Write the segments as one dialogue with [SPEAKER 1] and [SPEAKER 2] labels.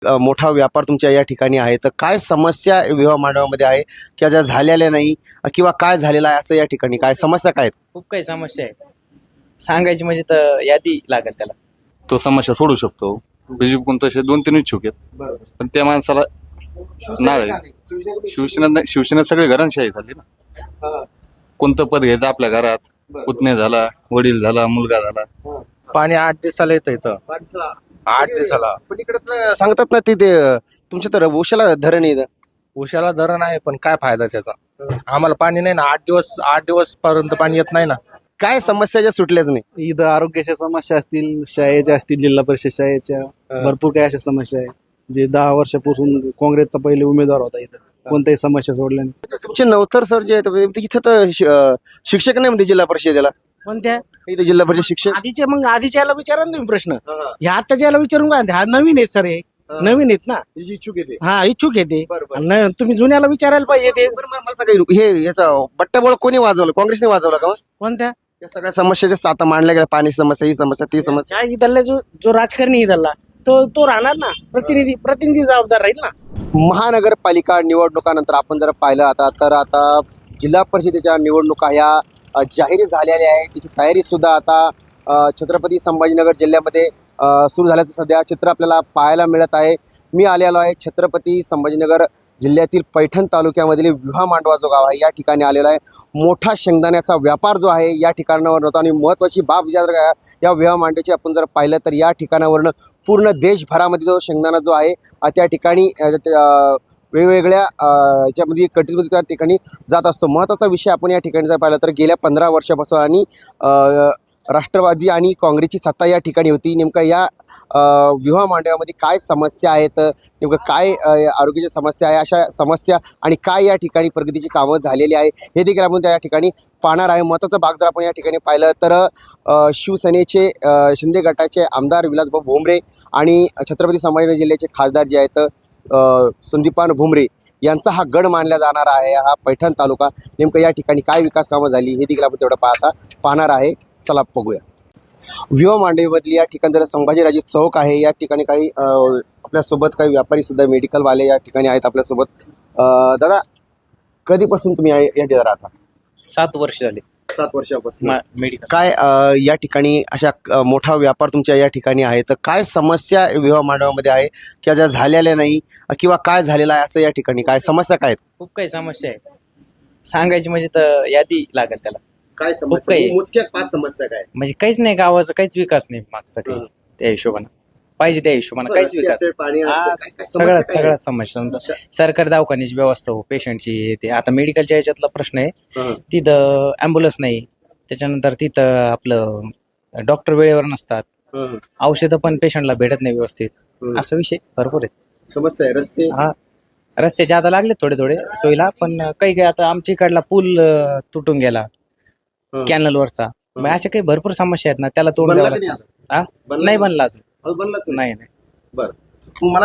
[SPEAKER 1] मोठा व्यापार तुमच्या या ठिकाणी आहे, तर काय समस्या विवाह मंडपामध्ये आहे किंवा ज्या झालेल्या नाही किंवा काय झालेलं आहे असं या ठिकाणी काय समस्या काय आहेत?
[SPEAKER 2] खूप काही समस्या आहे. सांगायची म्हणजे तर यादी लागेल त्याला.
[SPEAKER 3] तो समस्या सोडू शकतो. बीजेपी तसे 2-3 इच्छुक आहेत, पण त्या माणसाला नाही. शिवसेना सगळे घरांशाही झाली ना. कोणतं पद घ्यायचं आपल्या घरात, पुतणे झाला, वडील झाला, मुलगा झाला.
[SPEAKER 4] पाणी 8 दिवसाला येतं इथं. 8 दिवसाला.
[SPEAKER 1] पण इकडे सांगतात ना ते तुमच्या तर उशाला धरण आहे इथं.
[SPEAKER 4] उशाला धरण आहे, पण काय फायदा त्याचा? आम्हाला पाणी नाही ना. 8 दिवस पर्यंत पाणी येत नाही ना.
[SPEAKER 1] काय समस्या ज्या सुटल्याच नाही.
[SPEAKER 5] इथं आरोग्याच्या समस्या असतील, शाळेच्या असतील, जिल्हा परिषद शाळेच्या भरपूर काही अशा समस्या आहे. जे 10 वर्षापासून काँग्रेसचा पहिले उमेदवार होता, इथं कोणत्याही समस्या सोडल्या नाही.
[SPEAKER 1] तुमचे नवतर सर जे आहेत इथं तर शिक्षक नाही म्हणते जिल्हा परिषदेला.
[SPEAKER 6] कोणत्या
[SPEAKER 1] इथे जिल्हा परिषद शिक्षक
[SPEAKER 6] आधीचे मग आधीच्या याला विचारा ना तुम्ही प्रश्न. ह्या आत्ताच्या याला विचारून काय हा नवीन आहेत सर, हे नवीन आहेत ना.
[SPEAKER 1] इच्छुक येते.
[SPEAKER 6] हा इच्छुक येते.
[SPEAKER 1] बरं.
[SPEAKER 6] तुम्ही जुन्याला विचारायला पाहिजे ते.
[SPEAKER 1] मला सांगा हे याचा बट्ट्याबोळ कोणी वाजवलं? काँग्रेसने वाजवला का?
[SPEAKER 6] कोणत्या
[SPEAKER 1] या सगळ्या समस्या ज्या आता मांडल्या गेल्या, पाणी समस्या, ही समस्या, ती समस्या.
[SPEAKER 6] ह्या इथला जो राजकारणी इथला तो राहणार ना. प्रतिनिधी जबाबदार राहील ना.
[SPEAKER 1] महानगरपालिका निवडणुकानंतर आपण जर पाहिलं आता जिल्हा परिषदेच्या निवडणुका ह्या जाहीर झालेल्या आहे. त्याची तयारी सुद्धा आता छत्रपती संभाजीनगर जिल्ह्यामध्ये सुरू झाल्याचं सध्या चित्र आपल्याला पाहायला मिळत आहे. मी आलेलो आहे छत्रपती संभाजीनगर जिल्ह्यातील पैठण तालुक्यामधील विवाह मांडवा जो गाव आहे या ठिकाणी आलेला आहे. मोठा शेंगदाण्याचा व्यापार जो आहे या ठिकाणावर होता आणि महत्त्वाची बाब जर या विवाह मांडवाची आपण जर पाहिलं तर या ठिकाणावरनं पूर्ण देशभरामध्ये जो शेंगदाणा जो आहे त्या ठिकाणी वेगवेगळ्या याच्यामध्ये कंट्रीजमध्ये त्या ठिकाणी जात असतो. महत्त्वाचा विषय आपण या ठिकाणी जर पाहिलं तर गेल्या 15 वर्षापासून आणि राष्ट्रवादी आणि काँग्रेसची सत्ता या ठिकाणी होती. नेमकं या विवाह मांडव्यामध्ये काय समस्या आहेत, नेमकं काय आरोग्याच्या समस्या आहे, अशा समस्या आणि काय या ठिकाणी प्रगतीची कामं झालेली आहे हे देखील आपण त्या ठिकाणी पाहणार आहे. महत्त्वाचा भाग जर आपण या ठिकाणी पाहिलं तर शिवसेनेचे शिंदे गटाचे आमदार विलासभाऊ भुमरे आणि छत्रपती संभाजीनगर जिल्ह्याचे खासदार जे आहेत संदीपान भुमरे यांचा हा गड मानला जाणार आहे. हा पैठण तालुका नेमकं या ठिकाणी काय विकास कामं झाली हे देखील आपण तेवढं पाहणार आहे. चला बघूया. विवाह मांडवीमधली या ठिकाणी जर संभाजीराजे चौक आहे, या ठिकाणी काही आपल्यासोबत काही व्यापारी सुद्धा मेडिकलवाले या ठिकाणी आहेत आपल्यासोबत. दादा, कधीपासून तुम्ही या ठिकाणी राहता?
[SPEAKER 2] 7 वर्ष झाले
[SPEAKER 1] 7 वर्षापासून.
[SPEAKER 2] मेडिकल.
[SPEAKER 1] काय या ठिकाणी अशा मोठा व्यापार तुमच्या या ठिकाणी आहे, तर काय समस्या विवाह मांडवामध्ये आहे किंवा ज्या झालेल्या नाही किंवा काय झालेलं आहे असं या ठिकाणी काय समस्या काय आहेत?
[SPEAKER 2] खूप काही समस्या आहे. सांगायची म्हणजे तर यादी लागेल त्याला.
[SPEAKER 1] काय
[SPEAKER 2] समस्या? काही.
[SPEAKER 1] मोजक्या 5 समस्या काय?
[SPEAKER 2] म्हणजे काहीच नाही, गावाचा काहीच विकास नाही मागचा काही. त्या हिशोबानं पाहिजे त्या हिशोबानं काहीच विकास.
[SPEAKER 1] पाणी
[SPEAKER 2] हा, सगळ्या समस्या. सरकारी दवाखान्याची व्यवस्था हो, पेशंटची ते आता मेडिकलच्या याच्यातला प्रश्न आहे. तिथं ॲम्ब्युलन्स नाही, त्याच्यानंतर तिथं आपलं डॉक्टर वेळेवर नसतात, औषधं पण पेशंटला भेटत नाही व्यवस्थित. असा विषय भरपूर आहेत.
[SPEAKER 1] समस्या आहे. रस्ते
[SPEAKER 2] हा, रस्त्याचे आता लागले थोडे सोयीला, पण काही आता आमच्या इकडला पूल तुटून गेला कॅनलवरचा. मग अशा काही भरपूर समस्या आहेत ना, त्याला तोड द्यावं लागतं. हा, नाही बनला अजून. नाही.
[SPEAKER 1] बरं, मला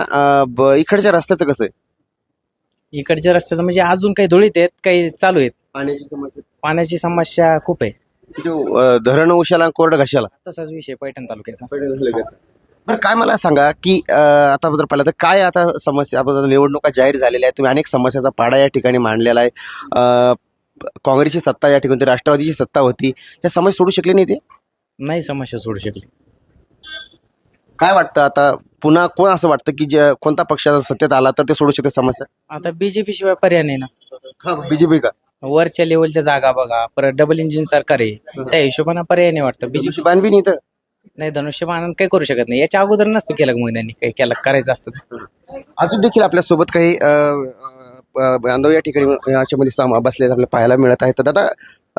[SPEAKER 1] सांगा इकडच्या रस्त्याचं कसं आहे?
[SPEAKER 2] इकडच्या रस्त्याचं म्हणजे अजून काही धुळीत आहेत, काही चालू आहेत.
[SPEAKER 1] पाण्याची समस्या?
[SPEAKER 2] पाण्याची समस्या खूप आहे.
[SPEAKER 1] धरण उशाला कोरड घशाला
[SPEAKER 2] तसाच विषय पैठण तालुक्याचा.
[SPEAKER 1] बरं, काय मला सांगा की आता जर पाहिलं तर काय आता समस्या, आपण निवडणुका जाहीर झालेल्या आहेत, तुम्ही अनेक समस्याचा पाडा या ठिकाणी मांडलेला आहे. काँग्रेसची सत्ता या ठिकाणी होती, राष्ट्रवादीची सत्ता होती, या समस्या सोडू शकली नाही ते?
[SPEAKER 2] नाही समस्या सोडू शकली.
[SPEAKER 1] काय वाटतं आता पुन्हा कोण असं वाटतं की जे कोणता पक्षाचा सत्तेत आला तर ते सोडू शकते समस्या?
[SPEAKER 2] आता बीजेपी शिवाय पर्याय नाही ना.
[SPEAKER 1] बीजेपी का?
[SPEAKER 2] वरच्या लेवलच्या जागा बघा, परत डबल इंजिन सरकार आहे, त्या हिशोबानं पर्याय नाही वाटतं. बीजेपी
[SPEAKER 1] बांधवी नाही तर
[SPEAKER 2] नाही, धनुष्यबाण काही करू शकत नाही. याच्या अगोदर नसतं केलं, मग त्यांनी काही केलं करायचं असतं.
[SPEAKER 1] अजून देखील आपल्यासोबत काही बांधव या ठिकाणी याच्यामध्ये बसले आपल्याला पाहायला मिळत आहेत. तर दादा,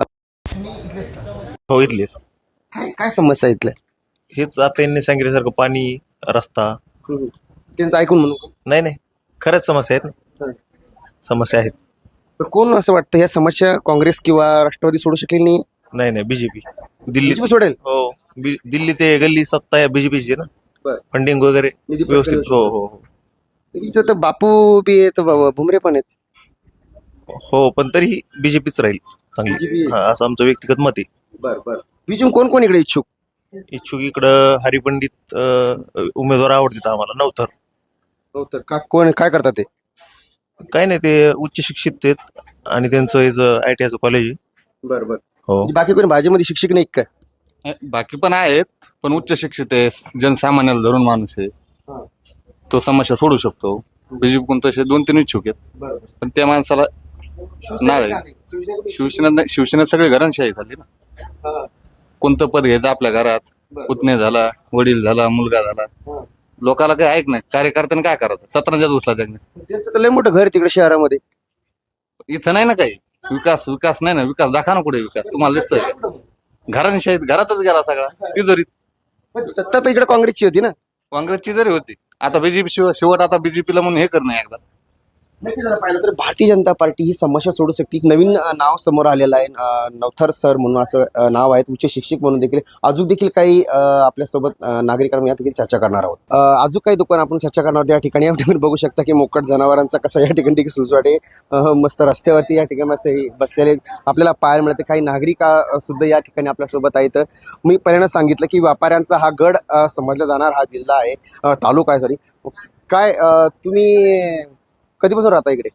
[SPEAKER 3] हो, इथलेच.
[SPEAKER 1] काय समस्या इथल्या?
[SPEAKER 3] हेच आता यांनी सांगितल्यासारखं पाणी, रस्ता.
[SPEAKER 1] त्यांचं ऐकून म्हणून
[SPEAKER 3] नाही, खरंच समस्या आहेत ना. समस्या आहेत.
[SPEAKER 1] पण कोण असं वाटतं या समस्या काँग्रेस किंवा राष्ट्रवादी सोडू शकेल नाही?
[SPEAKER 3] नाही, बीजेपी दिल्ली
[SPEAKER 1] BJP सोडेल?
[SPEAKER 3] हो, दिल्ली ते गल्ली सत्ता आहे बीजेपीची ना.
[SPEAKER 1] बरं.
[SPEAKER 3] फंडिंग वगैरे
[SPEAKER 1] निधी
[SPEAKER 3] व्यवस्थित.
[SPEAKER 1] पुरवठा
[SPEAKER 3] हो.
[SPEAKER 1] इथं तर बापू बी आहेत, भुमरे पण आहेत.
[SPEAKER 3] हो, पण तरीही बीजेपीच राहील
[SPEAKER 1] BJP
[SPEAKER 3] चांगली.
[SPEAKER 1] आहे.
[SPEAKER 3] हा, असं आमचं व्यक्तिगत मत आहे.
[SPEAKER 1] बरं. बीजून कोण इकडे इच्छुक?
[SPEAKER 3] इच्छुक इकडं हरिपंडित उमेदवार आवडतात आम्हाला. नवथर
[SPEAKER 1] हो तर का कोण काय करतात ते?
[SPEAKER 7] काही नाही, ते उच्च शिक्षित आहेत आणि त्यांचं ITI कॉलेज आहे.
[SPEAKER 1] बरं बरं.
[SPEAKER 7] हो.
[SPEAKER 1] म्हणजे बाकी कोणी भाजीमध्ये शिक्षक नाही काय?
[SPEAKER 3] बाकी पण आहेत, पण उच्च शिक्षित आहे, जनसामान्याला धरून माणूस आहे, तो समस्या सोडू शकतो. बीजेपी तसे 2-3 इच्छुक आहेत, पण त्या माणसाला नाळ आहे. शिवसेना सगळी घरांशाही झाली ना. कोणतं पद घ्यायचं आपल्या घरात, पुतणे झाला, वडील झाला, मुलगा झाला, लोकाला काय ऐक नाही. कार्यकर्त्याने काय करायचं? 17 उचला जगणे.
[SPEAKER 1] त्यांचं तर लय मोठं घर आहे तिकडे शहरामध्ये.
[SPEAKER 3] इथं नाही ना काही विकास नाही ना. विकास दाखवा ना, कुठे विकास तुम्हाला दिसतोय? घरांशाहीत घरातच गेला सगळा, तिजोरीत.
[SPEAKER 1] पण सत्ता तर इकडे काँग्रेसची होती ना.
[SPEAKER 3] काँग्रेसची जरी होती, आता बीजेपी शेवट आता बीजेपीला म्हणून हे करणं एकदा.
[SPEAKER 1] नक्कीच आता पाहिलं तर भारतीय जनता पार्टी ही समस्या सोडू शकते. एक नवीन नाव समोर आलेलं आहे. नवथर सर म्हणून असं नाव आहे. उच्च शिक्षक म्हणून देखील अजून देखील काही आपल्यासोबत नागरिकांना या ठिकाणी चर्चा करणार आहोत. अजून काही दुकान आपण चर्चा करणार आहोत. या ठिकाणी बघू शकता की मोकट जनावरांचा कसा या ठिकाणी देखील सुसवाट आहे. मस्त रस्त्यावरती या ठिकाणी मस्त हे बसलेले आपल्याला पाहायला मिळते. काही नागरिक सुद्धा या ठिकाणी आपल्यासोबत आहेत. मी पहिल्यांदा सांगितलं की व्यापाऱ्यांचा हा गड समजला जाणार हा जिल्हा आहे, तालुका आहे सॉरी. काय तुम्ही कधीपासून राहता इकडे?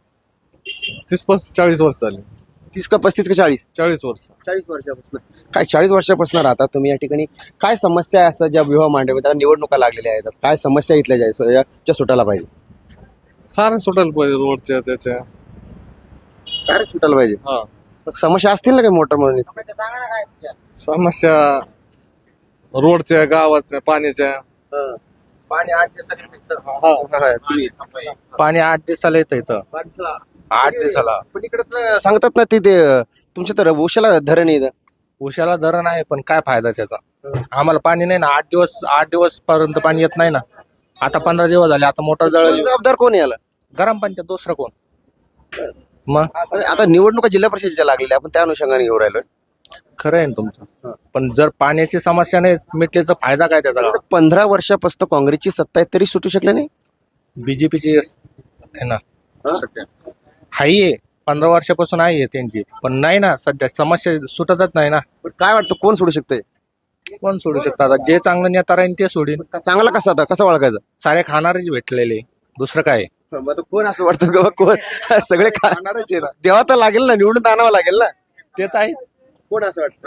[SPEAKER 8] 30-40 वर्ष झाले.
[SPEAKER 1] 30 का 35 का 40?
[SPEAKER 8] 40 वर्ष.
[SPEAKER 1] 40 वर्षापासून. काय 40 वर्षापासून राहता तुम्ही या ठिकाणी? काय समस्या आहे असं ज्या विवाह मांडवे आता निवडणुका लागलेल्या आहेत, काय समस्या इथल्या ज्या सुटायला पाहिजे?
[SPEAKER 8] सारे सुटायला पाहिजे रोडच्या त्याच्या.
[SPEAKER 1] काय सुटायला पाहिजे?
[SPEAKER 8] हा.
[SPEAKER 1] मग समस्या असतील ना काही मोठं म्हणून?
[SPEAKER 8] समस्या रोडच्या, गावाच्या, पाण्याच्या.
[SPEAKER 4] पाणी 8 दिवसाला येतं.
[SPEAKER 1] पाणी
[SPEAKER 4] 8 दिवसाला येतं इथं. 8 दिवसाला.
[SPEAKER 1] पण इकडे सांगतात ना ते तुमच्या तर उशाला धरण आहे इथं.
[SPEAKER 4] उशाला धरण आहे, पण काय फायदा त्याचा? आम्हाला पाणी नाही ना. 8 दिवस पर्यंत पाणी येत नाही ना. आता 15 दिवस झाले. आता मोटर जळली.
[SPEAKER 1] जबाबदार कोण आहे याला?
[SPEAKER 4] ग्रामपंचायत, दुसरं कोण? मग
[SPEAKER 1] आता निवडणुका जिल्हा परिषदेच्या लागलेल्या, आपण त्या अनुषंगाने घेऊन राहिलोय.
[SPEAKER 4] खरं आहे ना तुमचं, पण जर पाण्याची समस्या नाही मिटली तर फायदा काय त्याचा?
[SPEAKER 1] 15 वर्षापासून काँग्रेसची सत्ता आहे तरी सुटू शकले नाही.
[SPEAKER 4] बीजेपीची आहे ना, हाय 15 वर्षापासून आहे त्यांची, पण नाही ना सध्या समस्या सुटतच नाही ना.
[SPEAKER 1] पण काय वाटतं कोण सोडू शकतंय?
[SPEAKER 4] कोण सोडू शकतात? जे चांगलं नेता राहील ते सोडीन.
[SPEAKER 1] चांगला कसा आता कसं ओळखायचं?
[SPEAKER 4] सारे खाणारेच भेटलेले, दुसरं काय?
[SPEAKER 1] कोण असं वाटतं का कोण सगळे खाणारच आहे ना? देवा तर लागेल ना, निवडून आणावं लागेल ना.
[SPEAKER 4] ते तर आहे.
[SPEAKER 1] कोण असं वाटतं?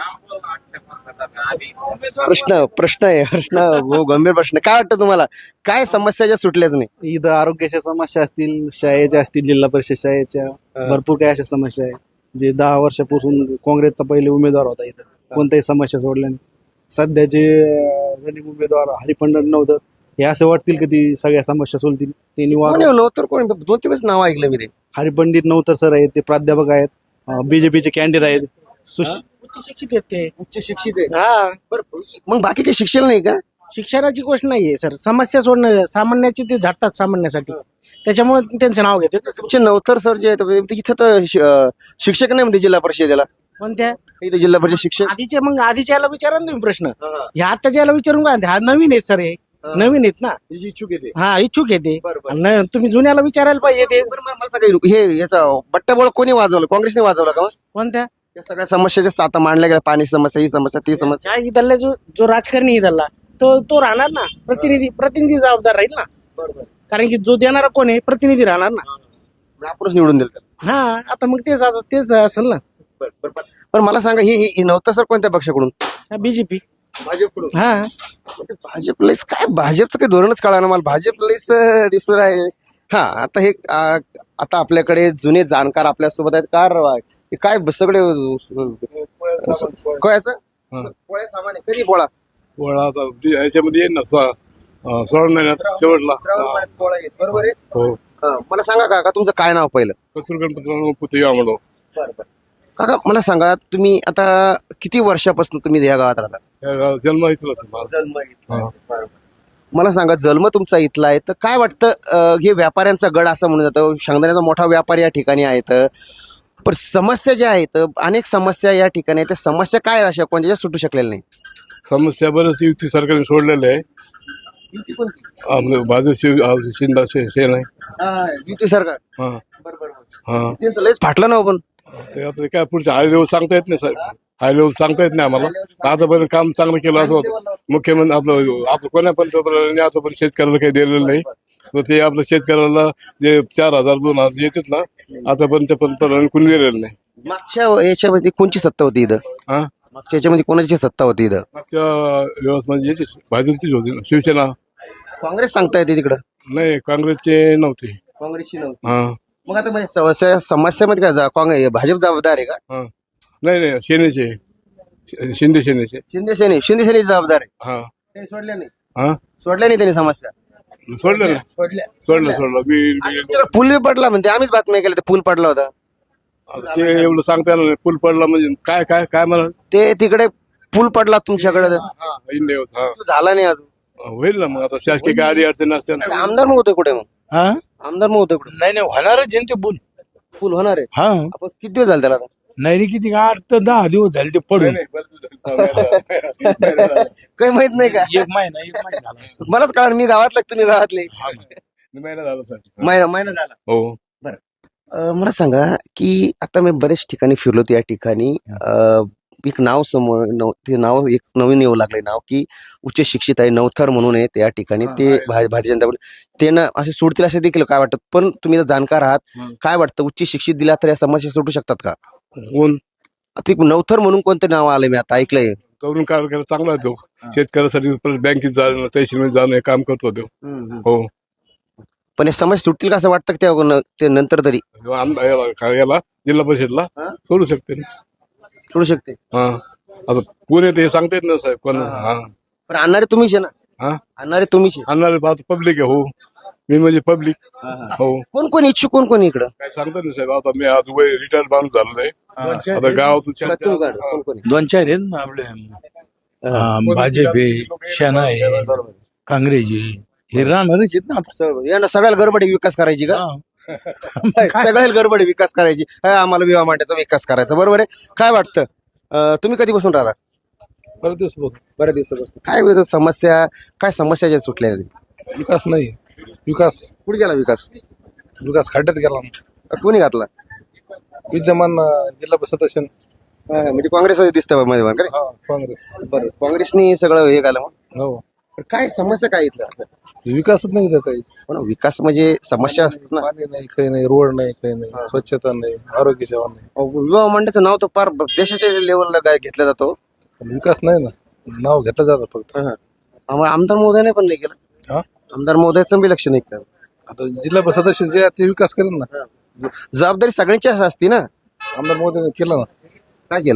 [SPEAKER 1] प्रश्न हो गंभीर प्रश्न. काय वाटतं तुम्हाला? काय समस्या ज्या सुटल्याच नाही?
[SPEAKER 5] इथं आरोग्याच्या समस्या असतील, शाळेच्या असतील, जिल्हा परिषद शाळेच्या भरपूर काही अशा समस्या आहे. जे 10 वर्षापासून काँग्रेसचा पहिले उमेदवार होता इथं, कोणत्याही समस्या सोडल्या नाही. सध्याचे रनिंग उमेदवार हरिपंडन नव्हतं, हे असं वाटतील की ती सगळ्या समस्या सोडतील. ते निवारण
[SPEAKER 1] तर कोण 2-3 नाव ऐकलं मी ते.
[SPEAKER 5] हरिपंडित नव्हतं सर आहेत, ते प्राध्यापक आहेत, बीजेपीचे कॅन्डिडेट आहेत.
[SPEAKER 6] उच्च शिक्षित आहेत ते.
[SPEAKER 1] उच्च शिक्षित आहे.
[SPEAKER 6] हा,
[SPEAKER 1] बरं मग बाकी काही शिक्षण नाही का?
[SPEAKER 6] शिक्षणाची गोष्ट नाहीये सर. समस्या सोडणं सामान्याची ते झटतात सामान्यासाठी, त्याच्यामुळे त्यांचं नाव घेते.
[SPEAKER 1] तुमचे नवथर सर जे आहेत इथं तर शिक्षक नाही म्हणते जिल्हा परिषदेला.
[SPEAKER 6] कोणत्या
[SPEAKER 1] इथे जिल्हा परिषद शिक्षक
[SPEAKER 6] आधीच्या याला विचारा ना तुम्ही प्रश्न. ह्या आत्ताच्या याला विचारून काय? हा नवीन आहेत सर, हे नवीन आहेत ना.
[SPEAKER 1] इच्छुक येते.
[SPEAKER 6] हा, इच्छुक येते.
[SPEAKER 1] बरोबर.
[SPEAKER 6] तुम्ही जुन्याला विचारायला पाहिजे ते.
[SPEAKER 1] मला सांगा हे याचा बट्टाबोळ कोणी वाजवलं? काँग्रेसने वाजवला का?
[SPEAKER 6] कोणत्या?
[SPEAKER 1] या सगळ्या समस्या ज्या आता मांडल्या गेल्या, पाणी समस्या, ही समस्या, ती समस्या.
[SPEAKER 6] ह्या इथला जो राजकारणी इथला तो राहणार ना, प्रतिनिधी जबाबदार राहील ना. कारण की जो देणारा कोण आहे, प्रतिनिधी राहणार ना.
[SPEAKER 1] आपणच निवडून दिलं.
[SPEAKER 6] हा, आता मग तेच असेल ना.
[SPEAKER 1] पण मला सांगा हे नव्हतं सर कोणत्या पक्षाकडून?
[SPEAKER 6] बीजेपी.
[SPEAKER 1] भाजपकडून.
[SPEAKER 6] हा,
[SPEAKER 1] भाजपलाच काय, भाजपचं काही धोरणच कळणार मला. भाजपलाच दिसून आहे. हा, आता हे आता आपल्याकडे जुने जाणकार आपल्यासोबत आहेत. काय सगळे कोळ्याचं पोळ्या सामान आहे. कधी पोळा?
[SPEAKER 8] याच्यामध्ये येईल ना श्रावण महिन्यात शेवटला.
[SPEAKER 1] पोळा येत बरोबर आहे.
[SPEAKER 8] हो.
[SPEAKER 1] मला सांगा काका तुमचं काय नाव पहिलं?
[SPEAKER 8] कसूर गणपती पुतळी म्हणून.
[SPEAKER 1] काका मला सांगा तुम्ही आता किती वर्षापासून तुम्ही या गावात राहता?
[SPEAKER 8] जन्म इथला.
[SPEAKER 1] मला सांगा जन्म तुमचा इथला आहे तर काय वाटतं हे व्यापाऱ्यांचा गड असं म्हणून जातं, शेंगदाण्याचा मोठा व्यापारी या ठिकाणी आहेत, पण समस्या ज्या आहेत अनेक समस्या या ठिकाणी आहेत, त्या समस्या काय अशा कोणत्या सुटू शकलेल्या नाही?
[SPEAKER 8] समस्या बरंच युती सरकारने सोडलेलं आहे. भाजप शिंदा सेना आहे.
[SPEAKER 1] युती सरकार.
[SPEAKER 8] हा. हा.
[SPEAKER 1] त्यांचं लयच फाटलं ना. पण
[SPEAKER 8] ते आता काय पुढचं हाय लेवल सांगता येत नाही साहेब. हाय लेवल सांगता येत नाही आम्हाला. आतापर्यंत काम चांगलं केलं असं होतं. मुख्यमंत्री आपलं कोण्या पंतप्रधानांनी आतापर्यंत शेतकऱ्याला काही दिलेलं नाही. तर ते आपलं शेतकऱ्याला जे 4,000 2,000 येतात ना, आतापर्यंत पंतप्रधान कुणी दिलेलं नाही.
[SPEAKER 1] मागच्या याच्यामध्ये कोणची सत्ता होती इथं?
[SPEAKER 8] हा
[SPEAKER 1] मागच्या याच्यामध्ये कोणाची सत्ता होती इथं?
[SPEAKER 8] मागच्या व्यवस्था येते भाजपचीच होती ना, शिवसेना.
[SPEAKER 1] काँग्रेस सांगता येते तिकडं.
[SPEAKER 8] नाही, काँग्रेसचे नव्हते.
[SPEAKER 1] काँग्रेसची नव्हती.
[SPEAKER 8] हा
[SPEAKER 1] मग आता म्हणजे समस्यामध्ये काय काँग्रेस भाजप जबाबदार आहे का?
[SPEAKER 8] हा नाही, सेनेचे, शिंदे सेनेचे.
[SPEAKER 1] शिंदे सेने जबाबदार आहे.
[SPEAKER 8] हा
[SPEAKER 1] ते सोडल्या नाही.
[SPEAKER 8] हा
[SPEAKER 1] सोडल्या नाही त्यांनी समस्या.
[SPEAKER 8] सोडलं ना, सोडलं
[SPEAKER 1] तुमच्याकडे पूल बी पडला म्हणते, आम्हीच बातम्या केल्या, ते पूल पडला होता.
[SPEAKER 8] ते एवढं सांगता येणार नाही. पूल पडला म्हणजे काय काय काय म्हणा.
[SPEAKER 1] ते तिकडे पूल पडला तुमच्याकडे,
[SPEAKER 8] हा इंडिया हा
[SPEAKER 1] तो झाला नाही अजून.
[SPEAKER 8] होईल ना. मग आता शासकीय काय अडी अडचण असते ना.
[SPEAKER 1] आमदार मग होते कुठे? मग आमदार मग होते कुठे?
[SPEAKER 9] नाही होणारच आहे ते पूल.
[SPEAKER 1] पूल होणार आहे.
[SPEAKER 9] हा
[SPEAKER 1] आपण किती दिवस झाले त्याला?
[SPEAKER 9] नाही रे, किती 8 ते 10 दिवस झाले ते पडून.
[SPEAKER 1] काही माहित नाही का?
[SPEAKER 9] एक महिना झाला.
[SPEAKER 1] मलाच कळणार, मी गावातला तुम्ही गावातले.
[SPEAKER 8] महिना झाला सर.
[SPEAKER 1] महिना झाला.
[SPEAKER 8] हो
[SPEAKER 1] मला सांगा की आता मी बरेच ठिकाणी फिरलो, त्या ठिकाणी एक नाव समोर ते नाव एक नवीन येऊ लागले नाव की उच्च शिक्षित आहे, नवथर म्हणून आहे त्या ठिकाणी. ते भारतीय जनता पार्टी ते ना असे सोडतील असे देखील काय वाटत? पण तुम्ही जर जाणकार आहात, काय वाटतं उच्च शिक्षित दिला तर या समस्या सुटू शकतात का?
[SPEAKER 8] कोण
[SPEAKER 1] ते नवथर म्हणून कोणते नाव आले मी आता ऐकलंय?
[SPEAKER 8] तरुण कार्यक्रम चांगला आहे तो. शेतकऱ्यासाठी परत बँकेत जाणं, तहसीलमध्ये जाणं हे काम करतो तो. हो
[SPEAKER 1] पण या समस्या सुटतील का असं वाटतं का ते नंतर तरी?
[SPEAKER 8] याला जिल्हा परिषदला सोडू शकते ना.
[SPEAKER 1] सोडू शकते.
[SPEAKER 8] हा आता कोण येते हे सांगता येत ना साहेब. कोण हा
[SPEAKER 1] पण आणणारे तुम्हीच आहे ना.
[SPEAKER 8] हा
[SPEAKER 1] आणणारे तुम्हीच आहे.
[SPEAKER 8] आणणारे पब्लिक आहे. हो मी म्हणजे पब्लिक. हो
[SPEAKER 1] कोण कोण इच्छुक, कोण कोण इकडं?
[SPEAKER 8] काय सांगता नाही साहेब. आता मी आज वय रिटायर माणूस झालेला आहे. आता गावातून
[SPEAKER 1] कोण कोण?
[SPEAKER 9] 2-4 आहेत ना आपले. भाजप आहे, सेना आहे, काँग्रेस आहे. हे राहणारच आहेत ना आता.
[SPEAKER 1] यांना सगळ्याला गडबड आहे विकास करायची का? सगळ्याला गडबड आहे विकास करायची. आम्हाला विवाह मांडायचा विकास करायचा, बरोबर आहे. काय वाटतं तुम्ही कधी बसून राहता?
[SPEAKER 8] बरेच दिवस बघ.
[SPEAKER 1] बऱ्याच दिवसापासून. काय समस्या, काय समस्या ज्या सुटल्या?
[SPEAKER 8] विकास नाही. विकास
[SPEAKER 1] कुठे गेला विकास?
[SPEAKER 8] खड्ड्यात गेला.
[SPEAKER 1] कोणी घातला?
[SPEAKER 8] विद्यमान जिल्हा परिषद सदस्य
[SPEAKER 1] म्हणजे काँग्रेस दिसतं मध्ये का रे?
[SPEAKER 8] काँग्रेस.
[SPEAKER 1] बरं, काँग्रेसनी सगळं हे घालं. मग
[SPEAKER 8] हो
[SPEAKER 1] काय समस्या काय इथलं?
[SPEAKER 8] विकासच नाही इथं काही.
[SPEAKER 1] पण विकास म्हणजे समस्या असतात ना.
[SPEAKER 8] पाणी नाही, काही नाही, रोड नाही, काही नाही, स्वच्छता नाही, आरोग्य सेवा नाही.
[SPEAKER 1] विवाह मंडळाचं नाव तर फार देशाच्या लेवलला घेतला जातो.
[SPEAKER 8] पण विकास नाही ना. नाव घेतलं जातं फक्त.
[SPEAKER 1] आम्हाला आमदार महोदयाने पण नाही केलं.
[SPEAKER 8] हा
[SPEAKER 1] आमदार महोदयाचं बी लक्ष नाही का?
[SPEAKER 8] आता जिल्हा परिषद सदस्य जे आहे ते विकास करेन ना.
[SPEAKER 1] जबाबदारी सगळ्यांची असते ना.
[SPEAKER 8] आमदार मोदीने केलं ना.
[SPEAKER 1] काय केलं?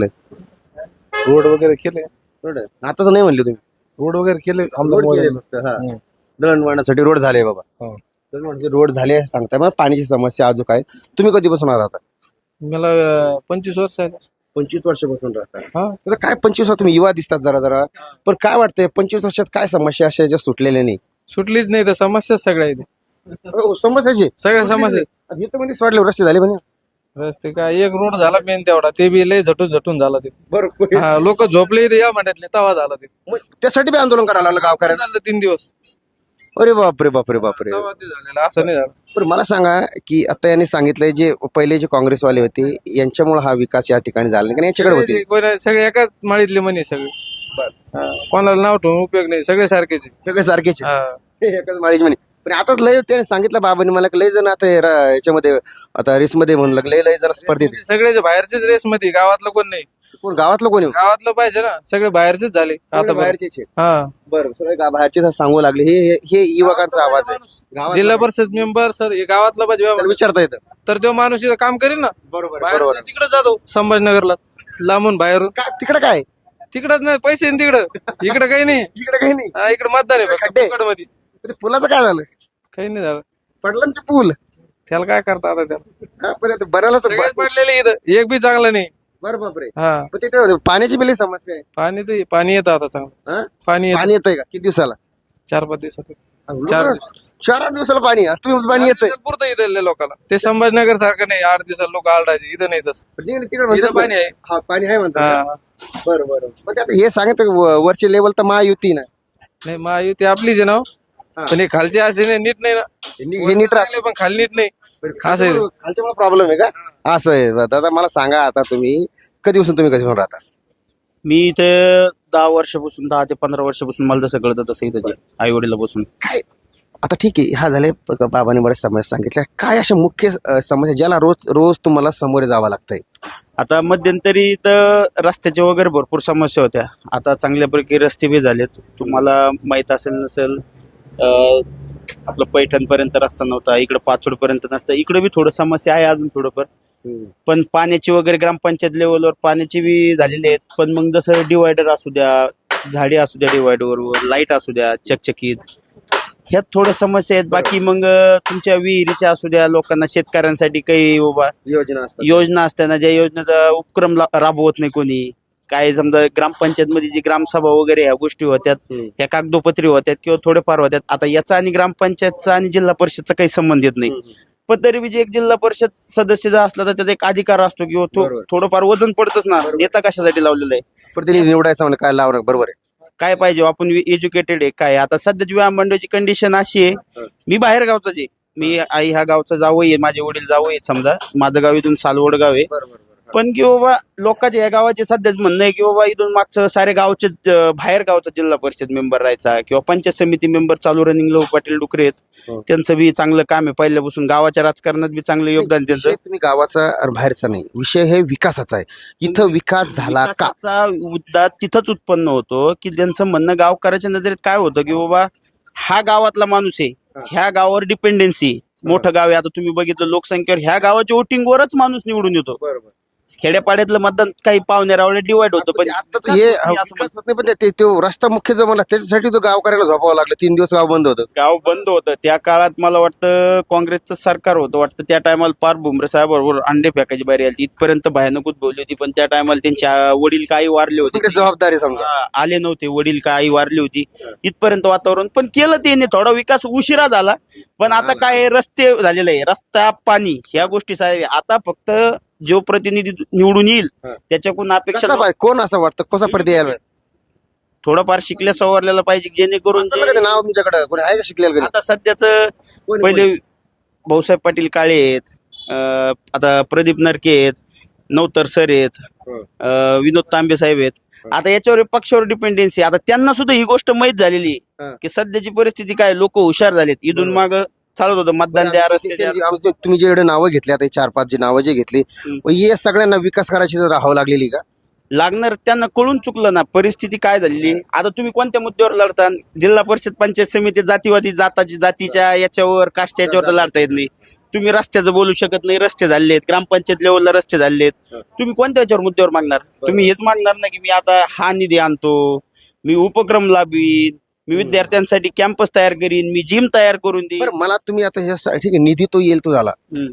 [SPEAKER 8] रोड वगैरे केले.
[SPEAKER 1] आता तर नाही म्हणले तुम्ही.
[SPEAKER 8] रोड वगैरे केले आमदार मोदीने.
[SPEAKER 1] दळणवळणासाठी रोड झाले बाबा.
[SPEAKER 8] हो.
[SPEAKER 1] दळणवळणाचे रोड झाले असं सांगताय. मग पाण्याची समस्या अजून काय? तुम्ही कधीपासून राहता?
[SPEAKER 9] मला 25 वर्ष आहे.
[SPEAKER 1] 25 वर्षापासून राहता.
[SPEAKER 9] हा
[SPEAKER 1] आता काय 25 वर्ष तुम्ही युवा दिसतात जरा जरा, पण काय वाटतंय 25 वर्षात काय समस्या अशा ज्या सुटलेल्या नाही?
[SPEAKER 9] सुटलीच नाही तर समस्या सगळ्या आहेत.
[SPEAKER 1] समस्याची
[SPEAKER 9] सगळ्या समस्या.
[SPEAKER 1] इथं म्हणजे सोडले रस्ते झाले म्हणे.
[SPEAKER 9] रस्ते काय, एक रोड झाला मेन तेवढा, ते बी लय झटून झाला ते.
[SPEAKER 1] बरोबर.
[SPEAKER 9] लोक झोपले इथे या म्हणतात तवा झाला ते.
[SPEAKER 1] मग त्यासाठी बी आंदोलन करायला लागलं गावकऱ्यांना.
[SPEAKER 9] झालं 3 दिवस
[SPEAKER 1] अरे बापरे बापरे बापरे.
[SPEAKER 9] तवा ते झालेलं, असं नाही झालं.
[SPEAKER 1] पण मला सांगा की आता यांनी सांगितलंय जे पहिले जे काँग्रेसवाले होते यांच्यामुळे हा विकास या ठिकाणी झाला नाही, कारण यांच्याकडे होते.
[SPEAKER 9] सगळे एकाच माळीतले म्हणे सगळे. हा, कोणाला नाव ठेवून उपयोग नाही, सगळे सारखेच आहे.
[SPEAKER 1] सगळे सारखेच
[SPEAKER 9] हा.
[SPEAKER 1] एकाच माळीच म्हणे. पण आता लय त्याने सांगितलं बाबांनी मला की लय जण आता याच्यामध्ये आता रेसमध्ये म्हणलं की लय जण स्पर्धेत आहे.
[SPEAKER 9] सगळेच बाहेरचेच रेस मध्ये, गावातलं कोण नाही.
[SPEAKER 1] कोण गावातलं कोणी?
[SPEAKER 9] गावातलं पाहिजे ना, सगळे बाहेरचेच झाले आता.
[SPEAKER 1] बाहेरचे.
[SPEAKER 9] हा,
[SPEAKER 1] बरं, सगळे बाहेरचे सांगू लागले. हे युवकांचा आवाज आहे. गावातला
[SPEAKER 9] जिल्हा परिषद मेंबर सर हे गावातला पाहिजे.
[SPEAKER 1] त्याला विचारता येतं.
[SPEAKER 9] तर तो माणूस इथं काम करीन ना.
[SPEAKER 1] बरोबर
[SPEAKER 9] बाहेर
[SPEAKER 1] बरोबर.
[SPEAKER 9] तिकडे जातो संभाजीनगरला, लांबून बाहेरून.
[SPEAKER 1] तिकडे काय?
[SPEAKER 9] तिकडच नाही पैसे तिकडं, इकडे काही नाही.
[SPEAKER 1] इकडे काही नाही.
[SPEAKER 9] हा, इकडे मतदान आहे
[SPEAKER 1] खड्डे.
[SPEAKER 9] फक्त मध्ये.
[SPEAKER 1] ते पुलाचं काय झालं?
[SPEAKER 9] काही नाही झालं.
[SPEAKER 1] पडलं ना ते पूल.
[SPEAKER 9] त्याला काय करता आता त्याला.
[SPEAKER 1] पण ते बऱ्यालाच
[SPEAKER 9] सगळेच पडलेले इथं, एक बी चांगलं नाही.
[SPEAKER 1] बरं बापरे.
[SPEAKER 9] हा,
[SPEAKER 1] पण तिथे पाण्याची बिल समस्या आहे.
[SPEAKER 9] पाणी येतं आता चांगलं.
[SPEAKER 1] हा?
[SPEAKER 9] पाणी
[SPEAKER 1] पाणी येतंय का? किती दिवसाला?
[SPEAKER 9] 4-5 दिवसात.
[SPEAKER 1] 4-8 दिवसाला पाणी. तुम्ही पाणी येतंय
[SPEAKER 9] पुरतं इथल्या लोकांना. ते संभाजीनगर सारखं नाही 8 दिवसाला लोक आरडायचे. इथं नाही तसं.
[SPEAKER 1] तिकडे
[SPEAKER 9] इथं पाणी आहे.
[SPEAKER 1] हा, पाणी आहे म्हणतात.
[SPEAKER 9] हा.
[SPEAKER 1] बरं बरं. पण ते आता हे सांगत वरची लेवल तर महायुती ना.
[SPEAKER 9] नाही महायुती आपलीच आहे ना. पण हे खालचे असे नाही, नीट नाही ना.
[SPEAKER 1] हे नीट
[SPEAKER 9] राहिले पण खाली नीट नाही. असं आहे.
[SPEAKER 1] खालच्या प्रॉब्लेम आहे का? असं आहे. दादा मला सांगा आता तुम्ही कधीपासून राहता?
[SPEAKER 10] मी इथे 10 वर्षापासून, 10 ते 15 वर्षापासून मला जसं कळतं तसं इथं आई वडिलापासून.
[SPEAKER 1] काय आता ठीक आहे, हा झाले बाबांनी बऱ्याच समस्या सांगितल्या. काय अशा मुख्य समस्या ज्याला रोज रोज तुम्हाला सामोरे जावं लागतंय?
[SPEAKER 10] आता मध्यंतरी तर रस्त्याच्या वगैरे भरपूर समस्या होत्या. आता चांगल्यापैकी रस्ते बी झालेत. तुम्हाला माहित असेल नसेल, आपलं पैठणपर्यंत रस्ता नव्हता, इकडे पाचोडपर्यंत नसता. इकडे बी थोडं समस्या आहे अजून थोडंफार, पण पाण्याची वगैरे ग्रामपंचायत लेवलवर पाण्याची बी झालेली आहेत. पण मग जसं डिवायडर असू द्या, झाडे असू द्या डिवायडरवर, लाईट असू द्या चकचकीत, ह्यात थोडं समस्या आहेत. बाकी मग तुमच्या विहिरीच्या असू द्या, लोकांना शेतकऱ्यांसाठी काही योजना असताना ज्या योजनेचा उपक्रम राबवत नाही कोणी. काय समजा ग्रामपंचायत मध्ये जी ग्रामसभा वगैरे ह्या गोष्टी होत्यात, ह्या कागदोपत्री होत्यात किंवा थोडेफार होत्यात. आता याचा आणि ग्रामपंचायतचा आणि जिल्हा परिषदचा काही संबंध येत नाही. पण तरी बी जे एक जिल्हा परिषद सदस्य जर असला तर त्याचा एक अधिकार असतो किंवा थोडंफार वजन पडतच ना. नेता कशासाठी लावलेला आहे?
[SPEAKER 1] प्रतिनिधी निवडायचा म्हणजे काय लावणार? बरोबर आहे.
[SPEAKER 10] काय पाहिजे? आपण एज्युकेटेड आहे काय? आता सध्याची विधानमंडळाची कंडिशन अशी आहे, मी बाहेर गावचाच आहे. मी आई ह्या गावचा जावई आहे, माझे वडील जावई आहेत. समजा माझं गाव इथून सालवड गाव आहे. पण की बाबा लोकांच्या या गावाचे सध्याच म्हणणं आहे की बाबा इथून मागचं सारे गावचे बाहेर गावचा जिल्हा परिषद मेंबर राहायचा किंवा पंचायत समिती मेंबर चालू रनिंग लो पाटील डुकरे आहेत. त्यांचं बी चांगलं काम आहे पहिल्यापासून, गावाच्या राजकारणात बी चांगलं योगदान त्यांचं.
[SPEAKER 1] तुम्ही गावाचा आणि बाहेरचा नाही, विषय हे विकासाचा आहे. इथं विकास झाला का?
[SPEAKER 10] विकासाचा मुद्दा तिथंच उत्पन्न होतो की त्यांचं म्हणणं गावकऱ्याच्या नजरेत काय होतं की बाबा हा गावातला माणूस आहे, ह्या गावावर डिपेंडन्सी, मोठं गाव आहे. आता तुम्ही बघितलं लोकसंख्येवर ह्या गावाच्या वोटिंगवरच माणूस निवडून येतो. खेड्यापाड्यातलं मतदान काही पाहुण्यारावळे डिवाइड होतं. पण
[SPEAKER 1] आता हे विकास होत नाही, पण तो रस्ता मुख्य जो मला त्याच्यासाठी तो गावकऱ्याला झोपावं लागलं. 3 दिवस गाव बंद होतं.
[SPEAKER 10] गाव बंद होतं त्या काळात. मला वाटतं काँग्रेसचं सरकार होतं वाटतं त्या टायमाला. पार भुमरे साहेबाबरोबर अंडे फेकायची बारी आली. इथपर्यंत भयानक बोलली होती. पण त्या टायमाला त्यांच्या वडील काही वारले होते,
[SPEAKER 1] जबाबदारी समजा
[SPEAKER 10] आले नव्हते. वडील काही वारली होती. इथपर्यंत वातावरण पण केलं त्याने. थोडा विकास उशिरा झाला, पण आता काय रस्ते झालेले आहे, रस्ता पाणी ह्या गोष्टी. आता फक्त जो प्रतिनिधी निवडून येईल त्याच्याकडून अपेक्षा
[SPEAKER 1] कोण असं वाटतं कसा प्रति यायला
[SPEAKER 10] थोडंफार शिकल्या सवरलेला पाहिजे, जेणेकरून
[SPEAKER 1] नाव तुमच्याकडे कोणी आहे का शिकलेलं?
[SPEAKER 10] आता सध्याच पहिले भाऊसाहेब पाटील काळे आहेत, आता प्रदीप नरके आहेत, नवतर सर आहेत, विनोद तांबे साहेब आहेत. आता याच्यावर पक्षावर डिपेंडन्सी. आता त्यांना सुद्धा ही गोष्ट माहीत झालेली आहे की सध्याची परिस्थिती काय, लोक हुशार झालेत. इथून माग चालत होतं मतदान द्या, रस्ते द्या.
[SPEAKER 1] तुम्ही जे नावं घेतली आता 4-5 जी नावं जे घेतली, हे सगळ्यांना विकास करायची राहावं लागलेली का?
[SPEAKER 10] लागणार. त्यांना कळून चुकलं ना परिस्थिती काय झालेली. आता तुम्ही कोणत्या मुद्द्यावर लढता? जिल्हा परिषद पंचायत समिती जातीवादी जातीच्या याच्यावर कास्टच्या याच्यावर लढता येत नाही. तुम्ही रस्त्याचं बोलू शकत नाही, रस्ते झालेत. ग्रामपंचायत लेवलला रस्ते झालेत. तुम्ही कोणत्या याच्यावर मुद्द्यावर मागणार? तुम्ही हेच मागणार ना की मी आता हा निधी आणतो, मी उपक्रम लाभवीन, मी विद्यार्थ्यांसाठी कॅम्पस तयार करीन, मी जिम तयार करून देईन.
[SPEAKER 1] मला तुम्ही आता हे ठीक आहे, निधी तो येईल तो झाला.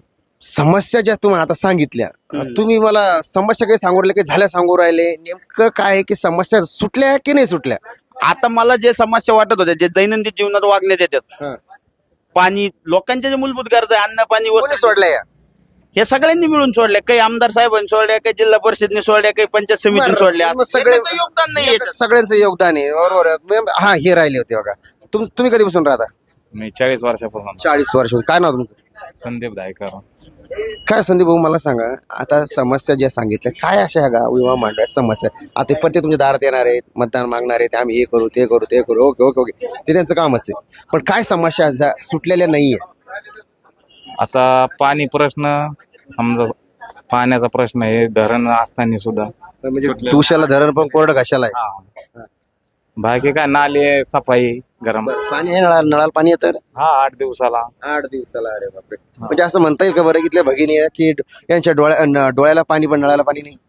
[SPEAKER 1] समस्या ज्या तुम्ही आता सांगितल्या, तुम्ही मला समस्या काही सांगू राहिले, काही झाल्या सांगू राहिले, नेमकं काय आहे की समस्या सुटल्या की नाही सुटल्या?
[SPEAKER 10] आता मला जे समस्या वाटत होत्या, जे दैनंदिन जीवनात वागण्यात येतात, पाणी, लोकांच्या जे मूलभूत गरजा, अन्न पाणी
[SPEAKER 1] कोणी सोडल्या या?
[SPEAKER 10] हे सगळ्यांनी मिळून सोडल्या. काही आमदार साहेबांनी सोडल्या, काही जिल्हा परिषदने सोडल्या, काही पंचायत समितीने सोडल्या.
[SPEAKER 1] सगळ्यांचं
[SPEAKER 10] योगदान नाही,
[SPEAKER 1] सगळ्यांचं योगदान आहे. बरोबर. हा, हे राहिले होते बघा. तुम्ही कधीपासून राहता?
[SPEAKER 3] मी 40 वर्षापासून.
[SPEAKER 1] 40 वर्ष. काय नाव तुमचं?
[SPEAKER 3] संदीप दायकर.
[SPEAKER 1] काय संदीप भाऊ, मला सांगा, आता समस्या ज्या सांगितल्या काय अशा ह्या गाव विमा मांडल्या समस्या? आता प्रत्येक तुमच्या दारात येणार आहेत, मतदान मागणार आहेत, आम्ही हे करू ते करू ते करू. ओके ओके ओके, ते त्यांचं कामच आहे. पण काय समस्या सुटलेल्या नाहीये?
[SPEAKER 3] आता पाणी प्रश्न, समजा पाण्याचा प्रश्न आहे, धरण असताना सुद्धा.
[SPEAKER 1] म्हणजे तुशाला धरण पण कोरडं घाशाला आहे.
[SPEAKER 3] बाकी काय, नाले सफाई, गरम
[SPEAKER 1] पाणी आहे, नळाला पाणी येतं.
[SPEAKER 3] हा, 8 दिवसाला.
[SPEAKER 1] 8 दिवसाला. अरे बापरे. म्हणजे असं म्हणता येईल का बरं इथल्या भगिनी की यांच्या डोळ्याला पाणी पण नळाला पाणी नाही?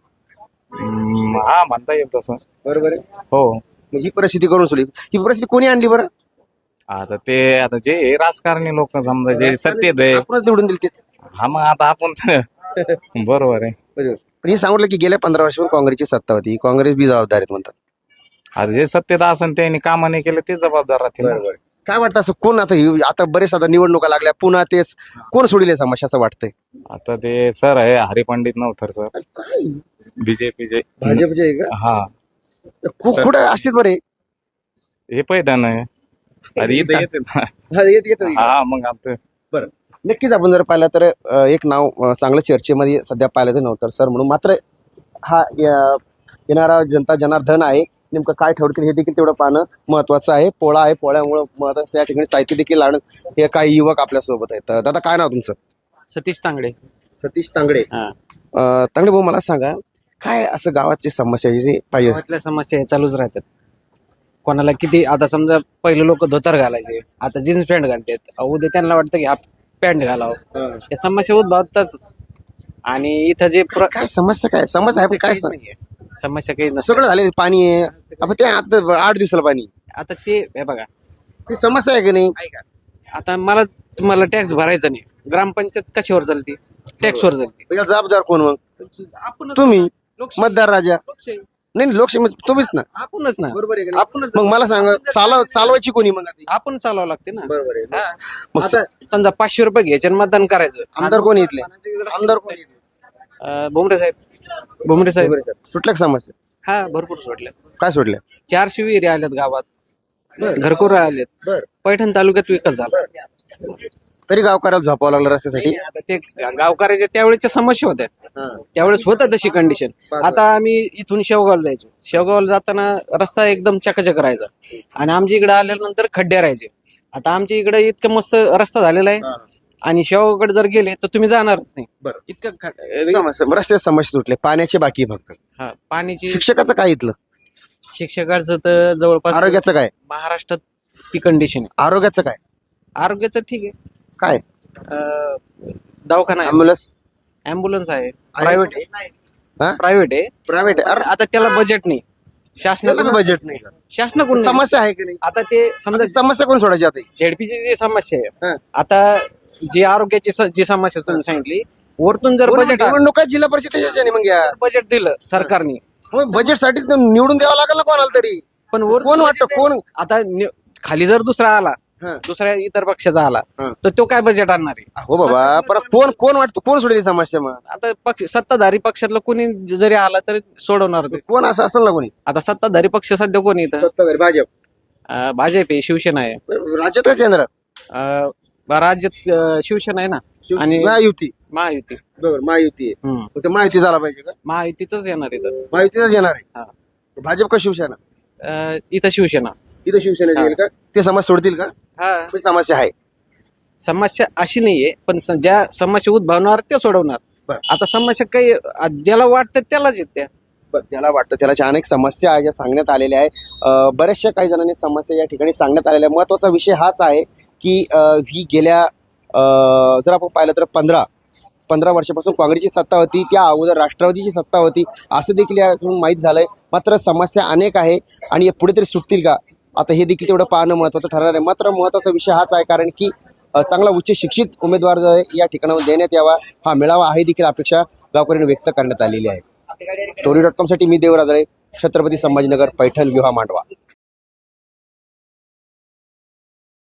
[SPEAKER 3] हा, म्हणता येईल तसं.
[SPEAKER 1] बरोबर आहे.
[SPEAKER 3] हो.
[SPEAKER 1] ही परिस्थिती करून सोडली. ही परिस्थिती कोणी आणली बरं?
[SPEAKER 3] आता जे राजकारणी लोक समजा जे सत्तेत आहे,
[SPEAKER 1] आपणच निवडून दिली तेच.
[SPEAKER 3] हा, मग आता आपण बरोबर आहे.
[SPEAKER 1] बरोबर. पण हे सांगितलं की गेल्या 15 वर्षापासून काँग्रेसची सत्ता होती, काँग्रेस बी जबाबदार आहेत म्हणतात.
[SPEAKER 3] आता जे सत्तेत असेल त्यांनी कामं नाही केलं ते जबाबदार राहतील.
[SPEAKER 1] बरोबर. काय वाटतं असं कोण आता बरेच आता निवडणुका लागल्या पुन्हा तेच कोण सोडले समस्या असं वाटतंय?
[SPEAKER 3] आता ते सर आहे हरिपंडित नवथर सर, बीजेपीचे.
[SPEAKER 1] भाजपचे का?
[SPEAKER 3] हा.
[SPEAKER 1] कुठं असतील बरे?
[SPEAKER 3] हे पैठण आहे. अरे इथं येते ना. हा, मग आता
[SPEAKER 1] बरं. नक्कीच आपण जर पाहिलं तर एक नाव चांगलं चर्चेमध्ये सध्या पाहिलं तर नव्हतं सर म्हणून. मात्र हा येणारा जनता जनार्दन आहे नेमकं काय ठरवतील हे देखील तेवढं पाहणं महत्वाचं आहे. पोळा आहे, पोळ्यामुळं महत्वाचं या ठिकाणी साहित्य देखील आणत हे काही युवक आपल्यासोबत आहेत. दादा काय नाव तुमचं?
[SPEAKER 2] सतीश तांगडे.
[SPEAKER 1] सतीश तांगडे.
[SPEAKER 2] हा.
[SPEAKER 1] तांगडे भाऊ मला सांगा, काय असं गावाची समस्या आहे जी पाहिजे?
[SPEAKER 2] गावातल्या समस्या हे चालूच राहतात. कोणाला किती आता समजा पहिले लोक धोतर घालायचे, आता जीन्स पॅन्ट घालतात. उद्या त्यांना वाटतं की हा पॅन्ट घालावं. या समस्या उद्भवतात. आणि इथं जे
[SPEAKER 1] काय समस्या, काय समस्या आहे पण काय
[SPEAKER 2] समस्या काही नसतं.
[SPEAKER 1] सगळं झाले, पाणी आहे आपण ते आता 8 दिवसाला पाणी,
[SPEAKER 2] आता ते हे बघा,
[SPEAKER 1] ती समस्या आहे की नाही?
[SPEAKER 2] ऐका, आता मला तुम्हाला टॅक्स भरायचा नाही, ग्रामपंचायत कशावर चालते? टॅक्सवर चालते.
[SPEAKER 1] याला जबाबदार कोण मग?
[SPEAKER 2] आपण
[SPEAKER 1] तुम्ही मतदार राजा. नाही लोकशाही तुम्हीच ना.
[SPEAKER 2] आपणच ना.
[SPEAKER 1] बरोबर आहे का नाही?
[SPEAKER 2] आपणच.
[SPEAKER 1] मग मला सांगा, चालवायची कोणी मग आधी?
[SPEAKER 2] आपण चालवावं लागते ना.
[SPEAKER 1] बरोबर आहे.
[SPEAKER 2] हा.
[SPEAKER 1] मग
[SPEAKER 2] आता समजा 500 रुपये घ्यायचे आणि मतदान करायचं.
[SPEAKER 1] आमदार कोण इथले? आमदार कोण इथले?
[SPEAKER 2] भुमरे साहेब.
[SPEAKER 1] सुटल्या का समस्या?
[SPEAKER 2] हा, भरपूर सोडल्या.
[SPEAKER 1] काय सोडल्या?
[SPEAKER 2] 400 विहिरी आल्यात गावात, घरकुरं आलेत.
[SPEAKER 1] बर.
[SPEAKER 2] पैठण तालुक्यात विकास झाला.
[SPEAKER 1] तरी गावकऱ्याला झोपावं लागलं रस्त्यासाठी.
[SPEAKER 2] आता ते गावकऱ्याच्या त्यावेळेच्या समस्या होत्या. त्यावेळेस होतं तशी कंडिशन. आता आम्ही इथून शेवगावला जायचो. शेवगावला जाताना रस्ता एकदम चकाचक राहायचा आणि आमच्या इकडे आल्यानंतर खड्डे राहायचे. आता आमच्या इकडे इतकं मस्त रस्ता झालेला आहे आणि शेवगावकडे जर गेले तर तुम्ही जाणारच नाही.
[SPEAKER 1] बरं.
[SPEAKER 2] इतकं
[SPEAKER 1] रस्त्यात समस्या सुटले, पाण्याची बाकी फक्त.
[SPEAKER 2] हा, पाण्याची.
[SPEAKER 1] शिक्षकाचं काय इथलं?
[SPEAKER 2] शिक्षकाचं तर जवळपास
[SPEAKER 1] आरोग्याचं काय?
[SPEAKER 2] महाराष्ट्रात ती कंडिशन आहे.
[SPEAKER 1] आरोग्याचं काय?
[SPEAKER 2] आरोग्याचं ठीक आहे.
[SPEAKER 1] काय?
[SPEAKER 2] दवाखाना आहे, ऍम्ब्युलन्स आहे, प्रायव्हेट आहे.
[SPEAKER 1] हा?
[SPEAKER 2] प्रायव्हेट आहे.
[SPEAKER 1] प्रायव्हेट.
[SPEAKER 2] आता त्याला बजेट नाही, शासनाला
[SPEAKER 1] बजेट नाही का?
[SPEAKER 2] शासनाकडून नाही.
[SPEAKER 1] समस्या आहे की नाही?
[SPEAKER 2] आता ते समजा
[SPEAKER 1] समस्या कोण सोडायची आता?
[SPEAKER 2] झेडपीची जी समस्या
[SPEAKER 1] हा.
[SPEAKER 2] आहे, आता जी आरोग्याची जी समस्या तुम्ही सांगितली, वरतून जर बजेट
[SPEAKER 1] निवडणूक आहे जिल्हा परिषदेच्या मग या
[SPEAKER 2] बजेट दिलं सरकारने,
[SPEAKER 1] बजेट साठी निवडून द्यावं लागेल ना कोणाला तरी.
[SPEAKER 2] पण
[SPEAKER 1] कोण वाटतं कोण?
[SPEAKER 2] आता खाली जर दुसरा आला, दुसऱ्या इतर पक्षाचा आला, तर तो काय बजेट आणणार आहे?
[SPEAKER 1] हो बाबा, परत कोण वाटतं कोण सोडेल ही समस्या? मग
[SPEAKER 2] आता सत्ताधारी पक्षातलं कोणी जरी आला तरी सोडवणार ते.
[SPEAKER 1] कोण असं असेल ना कोणी?
[SPEAKER 2] आता सत्ताधारी पक्ष सध्या कोणी इथं?
[SPEAKER 1] सत्ताधारी भाजप.
[SPEAKER 2] भाजप आहे, शिवसेना आहे.
[SPEAKER 1] राज्यात का केंद्रात?
[SPEAKER 2] राज्यात शिवसेना आहे ना, आणि
[SPEAKER 1] महायुती.
[SPEAKER 2] महायुती.
[SPEAKER 1] बरोबर, महायुती आहे.
[SPEAKER 2] हम्म.
[SPEAKER 1] मग ते महायुती झाला पाहिजे का?
[SPEAKER 2] महायुतीच येणार इथं.
[SPEAKER 1] महायुतीच येणार
[SPEAKER 2] हा.
[SPEAKER 1] आहे. भाजप का शिवसेना?
[SPEAKER 2] इथं शिवसेना.
[SPEAKER 1] इथं शिवसेना येईल का? ते समस्या सोडतील का?
[SPEAKER 2] हा,
[SPEAKER 1] पण समस्या आहे.
[SPEAKER 2] समस्या अशी नाहीये, पण ज्या समस्या उद्भवणार ते सोडवणार.
[SPEAKER 1] बरं.
[SPEAKER 2] आता समस्या काही ज्याला वाटतं त्यालाच येते.
[SPEAKER 1] त्याला वाटतं त्याला अनेक समस्या आहे ज्या सांगण्यात आलेल्या आहे. बऱ्याचशा काही जणांनी समस्या या ठिकाणी सांगण्यात आलेल्या आहे. महत्वाचा विषय हाच आहे की ही गेल्या जर आपण पाहिलं तर 15 वर्षापासून काँग्रेसची सत्ता होती, त्या अगोदर राष्ट्रवादीची सत्ता होती, असं देखील यातून माहीत झालंय. मात्र समस्या अनेक आहे आणि पुढे तरी सुटतील का, आता हे देखील तेवढं पाहणं महत्त्वाचं ठरणार आहे. मात्र महत्त्वाचा विषय हाच आहे कारण की चांगला उच्च शिक्षित उमेदवार जो आहे या ठिकाणावर देण्यात यावा, हा मिळावा, आहे देखील अपेक्षा गावकऱ्यांनी व्यक्त करण्यात आलेली आहे. story.com साठी मी देवराजळे, छत्रपती संभाजीनगर, पैठण, विहा, मांडवा.